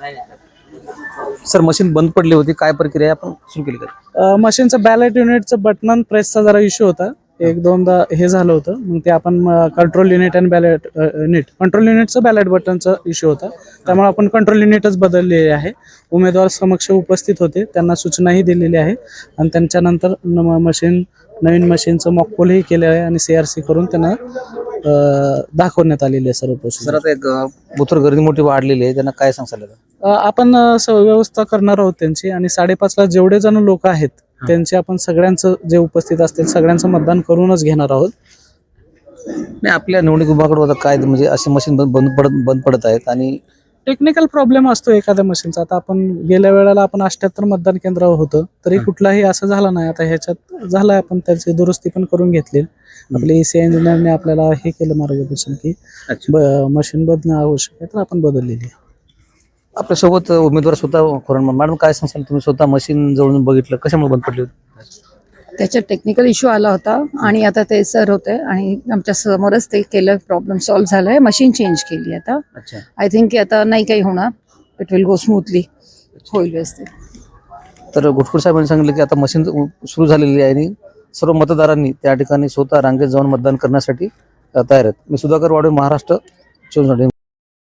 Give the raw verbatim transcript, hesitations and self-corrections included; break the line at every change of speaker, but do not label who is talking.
Sir machine बंद पडली होती, काय प्रक्रिया आपण सुरू केली का?
मशीनचं बॅलेट युनिटचं बटन प्रेसचा जरा इश्यू होता, एक दोनदा हे झालं होतं. मग ते आपण कंट्रोल युनिट आणि बॅलेट युनिट कंट्रोल युनिटचं बॅलेट बटनचा इश्यू होता, त्यामुळे आपण कंट्रोल युनिटच बदललेले आहे. उमेदवार समक्ष उपस्थित होते, त्यांना सूचनाही दिलेली आहे आणि त्यांच्यानंतर मशीन नवीन मशीनचं मॉकपोलही केलं आहे आणि सी आर सी करून त्यांना दाखवण्यात आलेली आहे सर्व प्रोसेस.
सर आता एक बुथवर गर्दी मोठी वाढलेली आहे, त्यांना काय सांगाल?
आपण व्यवस्था करणार आहोत त्यांची आणि साडेपाचला जेवढे जण लोक आहेत त्यांचे आपण सगळ्यांचं जे उपस्थित असतील सगळ्यांचं मतदान करूनच घेणार आहोत.
नाही, आपल्या निवडणूक विभागाकडे होता काय म्हणजे असे मशीन बंद पडत बंद पडत आहेत आणि
टेक्निकल प्रॉब्लेम असतो एखाद्या मशीनचा. आता आपण गेल्या वेळेला आपण अठ्ठ्याहत्तर मतदान केंद्रावर होतं तरी कुठलाही असं झालं नाही. आता ह्याच्यात झालं, आपण त्याची दुरुस्ती पण करून घेतली. आपले ईसी इंजिनियरने आपल्याला हे केलं मार्गदर्शन की मशीन बदलणं आवश्यक आहे, तर आपण बदललेली आहे.
आपल्यासोबत उमेदवार स्वतः खोरण मॅडम, काय सांगाल तुम्ही? स्वतः मशीन जवळून बघितलं, कशामुळे बंद पडली होती?
त्याच्यात टेक्निकल इश्यू आला होता आणि आता ते सर होते आणि आमच्या समोरच ते केलं, प्रॉब्लेम सॉल्व्ह झालाय, मशीन चेंज केली आता. आय थिंक की आता नाही काही होणार, इट विल गो स्मूथली, होईल व्यवस्थित.
तर घुटकुळ साहेबांनी सांगितलं की आता मशीन सुरू झालेली आहे आणि सर्व मतदारांनी त्या ठिकाणी स्वतः रांगेत जाऊन मतदान करण्यासाठी तयार आहेत. मी सुधाकर वाडे, महाराष्ट्र चोवीस.